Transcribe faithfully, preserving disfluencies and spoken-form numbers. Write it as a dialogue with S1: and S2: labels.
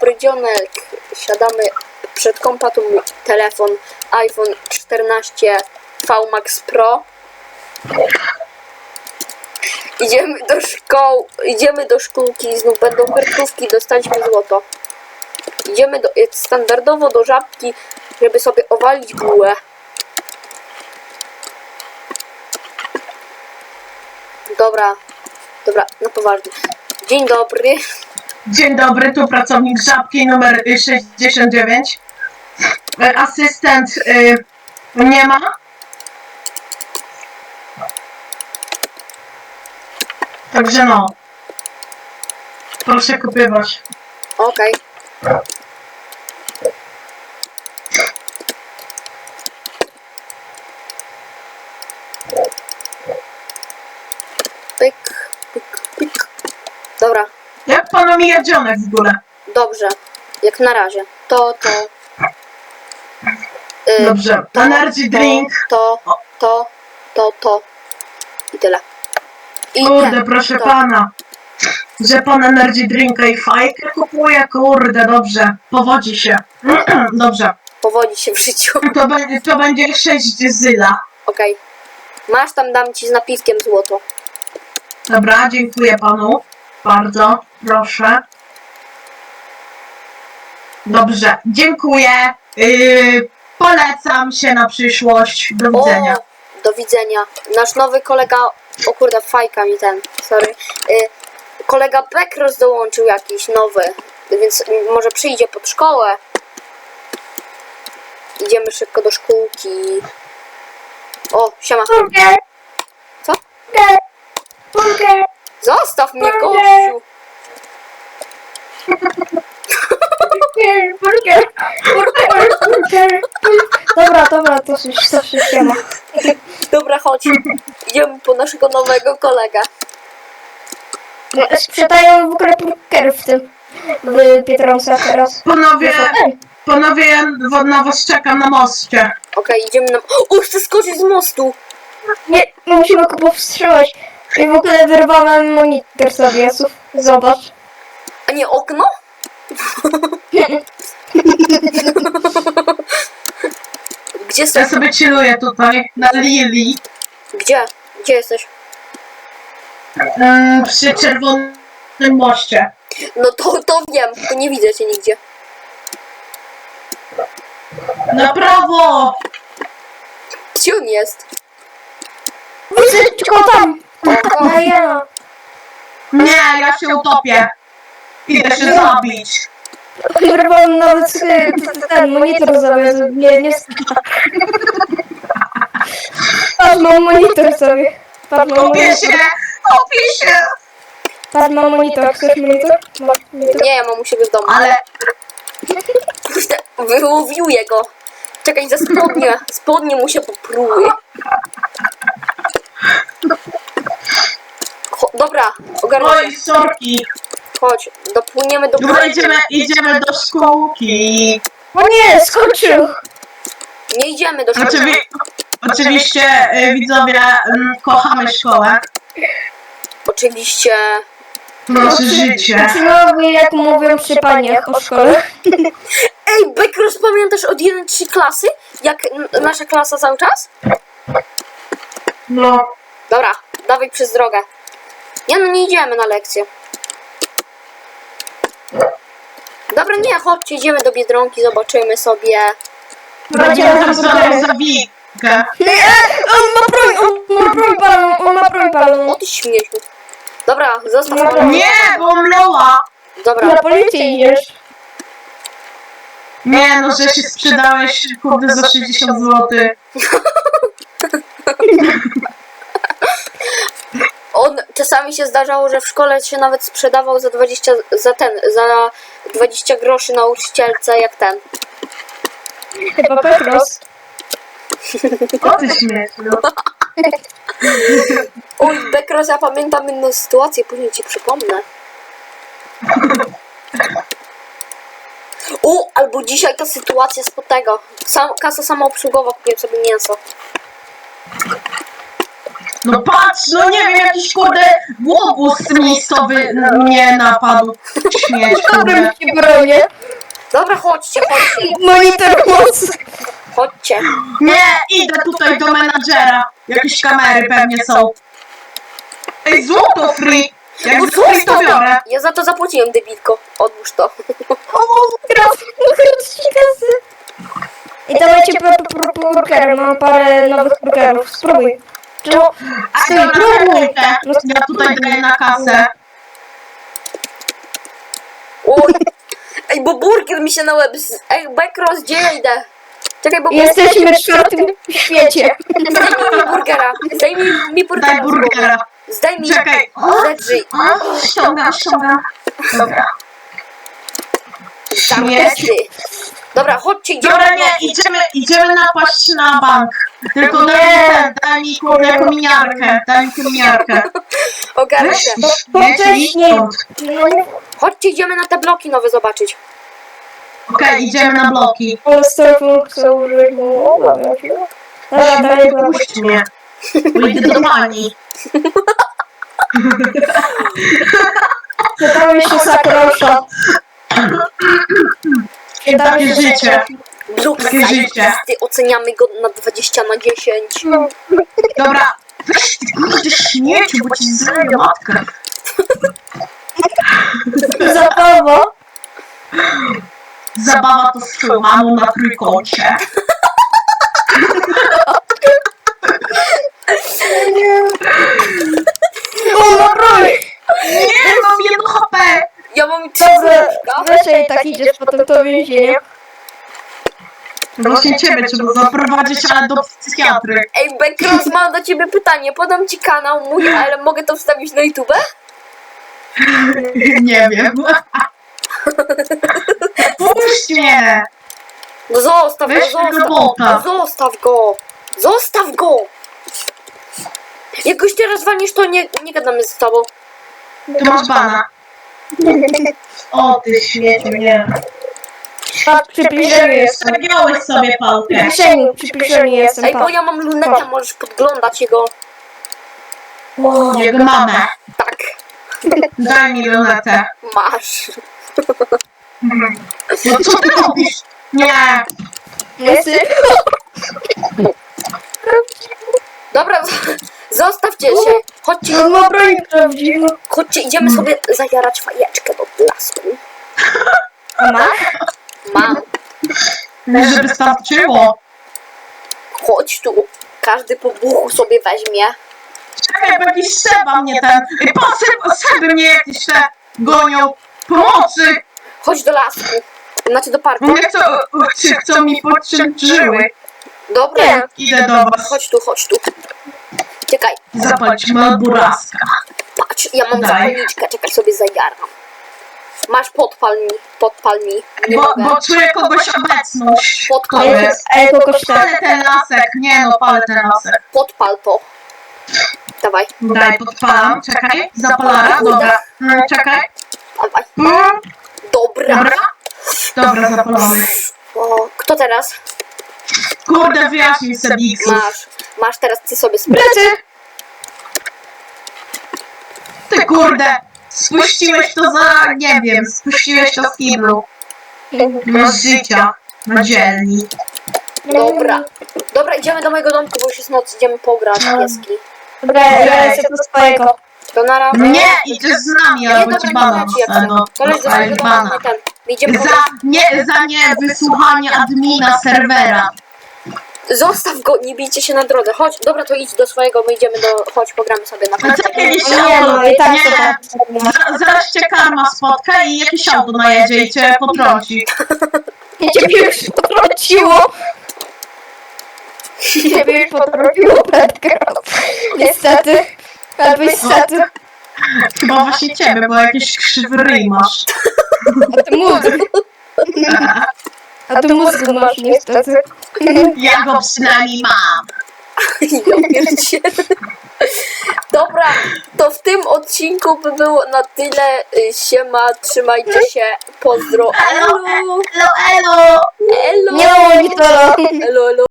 S1: dobry dzionek. Siadamy przed kompa, tu mój telefon iPhone czternaście V Max Pro. Idziemy do szkoły, idziemy do szkółki, znów będą kartówki, dostaliśmy złoto. Idziemy do, standardowo do Żabki, żeby sobie owalić bułę. Dobra, dobra, na poważnie. Dzień dobry.
S2: Dzień dobry, tu pracownik Żabki numer sześćdziesiąt dziewięć. Asystent y, nie ma. Także no. Proszę kupywać.
S1: Okej. Pyk, pyk, pyk. Dobra,
S2: Jak panu mija dzionek w ogóle?
S1: dobrze. Jak na razie. To, to. Y,
S2: Dobrze.
S1: to,
S2: Energy drink.
S1: To, to, to, to. I tyle. I
S2: Kurde,
S1: nie,
S2: proszę
S1: to.
S2: pana. Że pan energy drinka i fajkę kupuje? Kurde, dobrze. Powodzi się. Dobrze.
S1: Powodzi się w życiu.
S2: To będzie, to będzie sześć zyla.
S1: Okej. Masz tam, dam ci z napiskiem złoto.
S2: Dobra, dziękuję panu. Bardzo, proszę. Dobrze, dziękuję. Yy, polecam się na przyszłość. Do widzenia.
S1: O, do widzenia. Nasz nowy kolega... O kurde, fajka mi ten, sorry. Y, kolega Bekros dołączył jakiś nowy, więc może przyjdzie pod szkołę. Idziemy szybko do szkółki. O, siema.
S3: Burger!
S1: Co?
S3: Burger! Burger!
S1: Zostaw mnie,
S3: Burger.
S1: gościu.
S3: Burger! Burger! Burger! Burger! Dobra, dobra, to już, to już się ma.
S1: Dobra, chodź. Idziemy po naszego nowego kolegę.
S3: Sprzedają w ogóle burger w tym, w Biedronce teraz.
S2: Panowie,
S3: Ej,
S2: panowie, ja na was czekam na moście.
S1: Okej, idziemy na... O, chcę skoczyć z mostu.
S3: nie, musimy go powstrzymać. I w ogóle wyrwałem monitor sobie, Jasów. Zobacz.
S1: A nie okno? Gdzie
S2: Ja
S1: jesteś?
S2: sobie chilluję tutaj na Lili.
S1: Gdzie? Gdzie jesteś?
S2: Yy, przy czerwonym moście.
S1: No to, to wiem, to nie widzę cię nigdzie.
S2: Na prawo!
S1: Gdzie on jest?
S3: Widzę tylko tam.
S1: O,
S3: A ja.
S2: Nie, ja się utopię. Idę się zabić.
S3: Wyrwałem nawet y, ten monitor sobie. Nie, nie Patrz, mam monitor sobie. Patrz, mam
S2: Topię
S3: monitor.
S2: się! Topię się!
S3: Patrz, mam monitor. Chcesz monitor? Masz monitor.
S1: nie, ja mam u siebie w domu.
S2: Ale
S1: Kurde, wyłowiuję go. Czekaj, za spodnie. Spodnie mu się popruły. Cho- dobra, ogarnij
S2: oj,
S1: się.
S2: sorki.
S1: Chodź, dopłyniemy do...
S2: Dobra, idziemy, idziemy do szkółki.
S3: O nie, skoczył.
S1: Nie idziemy do szkoły.
S2: Oczywi oczywiście, y, widzowie, mm, kochamy szkołę.
S1: Oczywiście.
S2: Nasze życie.
S3: Uczniowie, jak mówią przy paniach o szkole.
S1: Ej, Bekros, pamiętasz od jeden trzy klasy? Jak n- nasza klasa cały czas?
S2: No,
S1: Dobra, dawaj przez drogę. Nie no, nie idziemy na lekcję. Dobra, nie, chodźcie, idziemy do Biedronki, zobaczymy sobie.
S2: będziemy sobie zabikę.
S3: On ma broń, on ma broń palą, on ma broń
S1: O
S3: palą.
S1: ty śmieciu. Dobra, zostaw
S3: No,
S1: mnie.
S2: Nie, bo mloła.
S1: Dobra,
S3: Na policję idziesz.
S2: Nie, no, że się sprzedałeś, kurde, za sześćdziesiąt złotych.
S1: on czasami się zdarzało, że w szkole się nawet sprzedawał za dwadzieścia, za ten, za dwadzieścia groszy nauczycielce, jak ten.
S3: Chyba Petros.
S2: O ty śmieciu.
S1: Oj, Bekros, ja pamiętam inną sytuację, później ci przypomnę. O, albo dzisiaj ta sytuacja spod tego. Sam, kasa samoobsługowa, kupiłem sobie mięso.
S2: No patrz, no nie wiem, jakiś kurde łobuz miejscowy mnie napadł. Śmieć,
S3: Dobra,
S2: kurde.
S3: ci bronię.
S1: Dobra, chodźcie, chodźcie,
S3: Monitor mocy.
S1: chodźcie.
S2: Nie, idę tutaj do menadżera. Jakieś kamery pewnie są. Ej, złoto free! Jak
S1: No
S2: free to biorę.
S1: Ja za to zapłaciłem, debilko. Odłóż to.
S3: O, graf, ci kasy. I dawajcie pro, pro, pro, burgery, mam parę nowych burgerów, spróbuj. No,
S2: A
S3: stój,
S2: dobra,
S3: próbuj.
S2: czekajcie. Ja tutaj daję na kasę.
S1: Oj. Ej, bo burger mi się na łeb... z- Ej, Backross, gdzie ja idę? Czekaj, bo...
S3: Jesteśmy w czwartym świecie.
S1: Zdejmij mi burgera. Zdejmij mi burgera.
S2: Daj burgera.
S1: Zdejmij
S2: Czekaj.
S1: Ledży.
S2: O, ściągam, ściągam. Dobra. Śmieć.
S1: Dobra, chodźcie, idziemy.
S2: Dobra,
S1: na
S2: nie,
S1: bloki.
S2: idziemy, idziemy napaść na bank. Tylko
S3: Nie.
S2: daj mi ten, daj mi kurde kominiarkę, daj mi kominiarkę.
S1: Ogarnę
S2: Weź
S1: się.
S2: ty śmieć i
S3: wcześniej.
S2: stąd.
S3: No nie.
S1: Chodźcie, idziemy na te bloki nowe zobaczyć.
S2: Okej, idziemy na bloki.
S3: Ale z telefonu chcę użyć, bo obawiam się. Dobra, dalej była.
S2: Puść mnie. Pójdę do pani.
S3: Tam jeszcze zakrosza.
S2: Takie życie.
S1: Blok
S2: Takie życie.
S1: zajebisty, oceniamy go na dwadzieścia na dziesięć.
S3: No.
S2: Dobra, weź ty kurde śmieciu, bo ci zleję matkę.
S3: Zabawa.
S2: Zabawa to z twoją mamą na trójkącie.
S3: O, no broń.
S2: Nie, mam jedno H P.
S1: Ja mam trzy
S3: Dobra,
S1: serduszka.
S3: weź i tak idziesz potem to więzienie.
S2: Właśnie ciebie trzeba zaprowadzić, ale do psychiatry.
S1: Ej, Backross, mam do ciebie pytanie. Podam ci kanał mój, ale mogę to wstawić na YouTube?
S2: Nie wiem. Puść mnie.
S1: No zostaw go,
S2: Weź tego
S1: zostaw.
S2: bota.
S1: No zostaw go. Zostaw go. Jak goś teraz walniesz, to nie, nie gadamy z tobą.
S2: Tu masz bana. O ty śmieciu, nie.
S3: A przy piszeniu jestem.
S2: Zagiąłeś sobie
S3: Przy
S2: pałkę.
S3: piszeniu, przy piszeniu jestem.
S1: Ej, bo
S3: Tak.
S1: ja mam lunetę, możesz podglądać jego.
S3: O,
S2: Jego mamę.
S1: Tak,
S2: Daj mi lunetę.
S1: masz.
S2: No co ty robisz? Nie.
S3: Jesteś...
S1: Dobra, zostawcie się. Chodźcie,
S3: No ma broń prawdziwą.
S1: chodźcie, idziemy sobie zajarać fajeczkę do blasku.
S3: Ma?
S1: Mam.
S2: Żeby starczyło.
S1: Chodź tu. Każdy po buchu sobie weźmie.
S2: Czekaj, bo jakiś Seba mnie ten... Ej, po Seba, Seby mnie jakieś te gonią. Pomocy.
S1: Chodź do lasku. Znaczy do parku.
S2: Mnie chcą, chcą, chcą mi podciąć żyły.
S1: Dobra,
S3: Nie.
S2: Idę do was.
S1: chodź tu, chodź tu. Czekaj,
S2: Zapalić Malburaska.
S1: patrz, ja mam
S2: Daj.
S1: zapalniczkę, czekaj sobie zajaram. Masz podpal mi, podpal mi. Nie
S2: Bo,
S1: mogę.
S2: bo czuję kogoś obecność.
S1: Podpal,
S2: To jest.
S3: Ej, kogoś tak.
S2: Palę ten lasek. Nie no, palę ten lasek.
S1: podpal to. Dawaj,
S2: Daj, podpalam. Czekaj. Zapalara. Dobra. Mm, czekaj.
S1: dawaj.
S2: Mm,
S1: Dobra.
S2: dobra. Dobra, zapalamy.
S1: O, kto teraz?
S2: Kurde, wyjaśnij sobie X-ów.
S1: Masz. Masz teraz ty sobie sprawę.
S3: Plecy!
S2: Ty kurde. Spuściłeś to za, nie wiem, spuściłeś to z kiblu. No z życia. Na dzielni.
S1: Dobra. Dobra, idziemy do mojego domku, bo już jest noc, idziemy pograć pieski.
S3: Dobra, ja lecę do swojego.
S1: To na razie.
S2: Nie, idziesz z nami,
S1: Nie,
S2: albo
S1: dobra,
S2: ci
S1: nie
S2: bana
S1: leci, jak
S2: dostanę.
S1: chcę. Koleś do
S2: Dostajesz
S1: swojego domu,
S2: bana.
S1: my ten. My idziemy
S2: Za
S1: pograć.
S2: nie, za nie wysłuchanie admina serwera.
S1: Zostaw go, nie bijcie się na drodze. Chodź, dobra, to idź do swojego, my idziemy do... Chodź, pogramy sobie na
S2: A co
S1: końcu.
S2: kiedyś
S3: Nie, no i tak to
S2: nie.
S3: tak.
S2: Za- Zaraz cię karma spotka i jakieś auto najedzie i cię potrąci.
S3: I ciebie już potrąciło. Ciebie już potrąciło, Petro. Niestety. Albo niestety.
S2: Chyba właśnie ciebie, bo jakieś krzywy ryj masz.
S3: A ty mózg. A ty mózgu masz niestety.
S2: Ja go przynajmniej mam.
S1: Ja pierdzielę. Dobra, to w tym odcinku by było na tyle. Y, Siema, trzymajcie się. Pozdro.
S2: Elo,
S1: Elo.
S2: elo, elo.
S1: Elo.
S3: Nie ma monitora.
S1: Elo, elo.